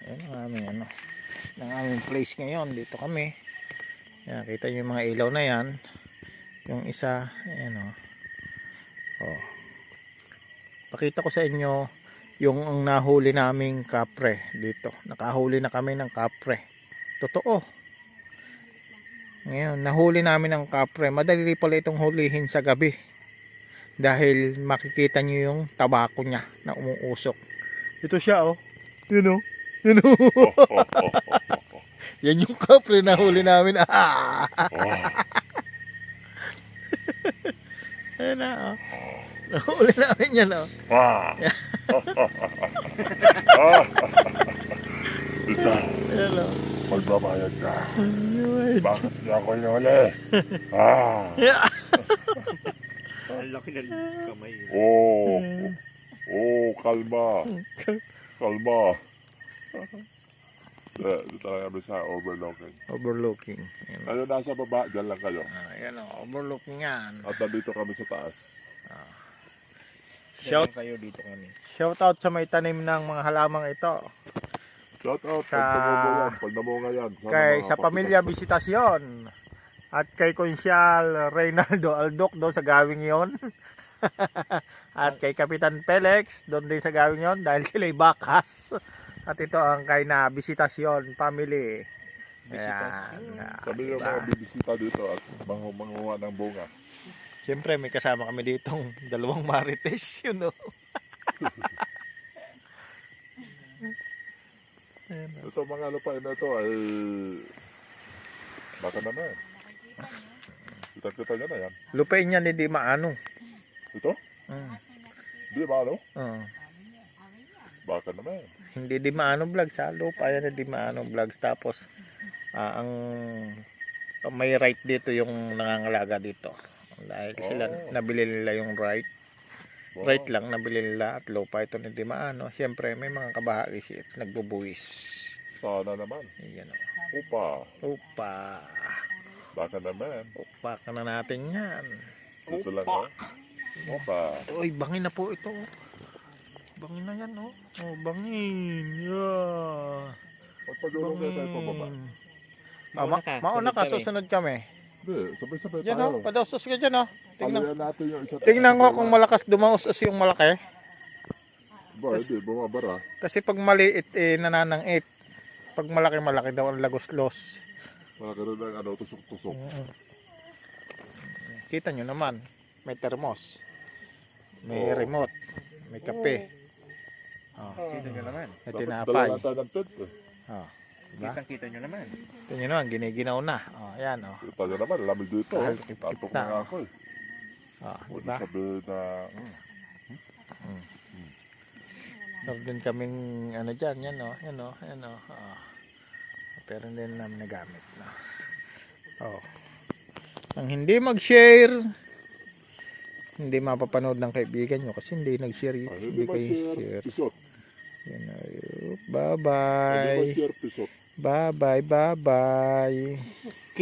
Ayan ang aming ano, ng aming place ngayon. Dito kami. Ayan, kita nyo yung mga ilaw na yan. Yung isa, ayan o. Oh. Pakita ko sa inyo yung ang nahuli naming kapre dito. Nakahuli na kami ng kapre. Totoo. Ngayon, nahuli namin ng kapre. Madali pala itong hulihin sa gabi. Dahil makikita nyo yung tabako niya na umuusok. Ito siya oh. Yun oh. Yun oh. Yan yung kapre na huli namin. Ayan na oh. Nahuli namin yan oh. Ayan oh. Magbabayad ka. Ayun. Bakit niya ako inuli? Ang laki ng kamay. Kalma. Kalma. Dito lang kami sa overlooking. Overlooking. Ayan, Ano nasa baba, dyan lang kayo. ayan oh. Overlooking yan. At nandito kami sa taas. Shout, kayo dito kami. shout out sa may tanim ng mga halamang ito. Shout out Sa- pag tumubo yan, pag namunga yan. Kay sa pamilya Bisitasyon. At kay Konsyal Reynaldo Aldoc doon sa gawing yon. At kay Kapitan Pelex doon din sa gawing yon dahil sila'y bakas. At ito ang kay na Bisitasyon family. Ayan. Sabi yung mga bibisita dito at mangunga ng bunga. Siyempre may kasama kami ditong dalawang marites yun o. Ito mga lupain na ito ay baka naman. Kita-kita nyo na yan. Lupain yan hindi maano. Ito? Di ba ano? Baka naman. Hindi di maano vlog sa lupa yan hindi maano vlogs tapos ang may right dito yung nangangalaga dito dahil sila nabili nila yung right lang nabili nila at lupa ito hindi maano syempre may mga kabahagi siya nagbubuwis Sana naman. yan Upa. Baka naman. upa ka na natin yan Dito lang ha. Upa. uy bangin na po ito bangin na yan oh bangin yeah. Magpagulong na tayo pababa. Mauna ka, susunod kami. Hindi, sabay-sabay Yan tayo. o, padausos ka dyan o. Palayan natin yung isa. Tingnan ko kung malakas dumausas yung malaki. Ba, hindi, bumabara. Kasi pag maliit, nananangit. Pag malaki daw ang lagos-los. Malaki rin ang ano, tusok-tusok. Kita nyo naman, may termos. May remote. May kape. Kita nyo naman. May Dapat tinapay. dala natin ng tent eh. Diba? Kita nyo naman. Ito nyo naman, giniginaw na. Ayan o. Kita nyo naman, lamig dito. Kahit Tatok na. na nga ako eh. Huwag Diba? sabihin na... Meron din kaming ano dyan, yan o. Pero hindi namin nagamit. Ang hindi mag-share, hindi mapapanood ng kaibigan nyo kasi hindi nag-share. Hindi Hindi kayo ma-share share. pisot. Yan, Hindi bye-bye. ma-share pisot. Bye-bye.